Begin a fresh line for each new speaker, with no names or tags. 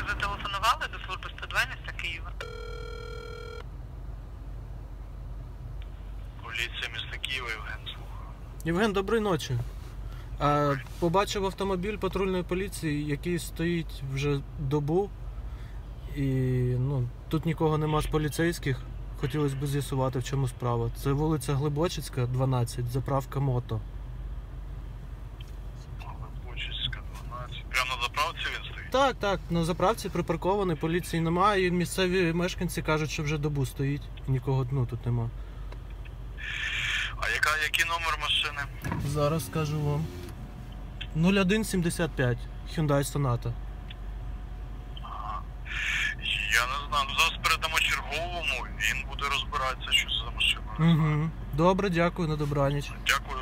зателефонували до служби 102 міста Києва.
Поліція міста Києва, Євген, слухаю.
Євген, доброї ночі. Побачив автомобіль патрульної поліції, який стоїть вже добу. І тут нікого нема з поліцейських. Хотілося б з'ясувати, в чому справа. Це вулиця Глибочицька, 12, заправка Мото.
Глибочицька, 12. Прямо на заправці він стоїть?
Так, на заправці припаркований, поліції немає, і місцеві мешканці кажуть, що вже добу стоїть. Нікого тут нема.
А який номер машини?
Зараз скажу вам. 0175, Hyundai Sonata.
Ага. Я не знаю, зараз передамо черговому, він буде розбиратися, що це за машина.
Угу. Добре, дякую, на добраніч.
Дякую.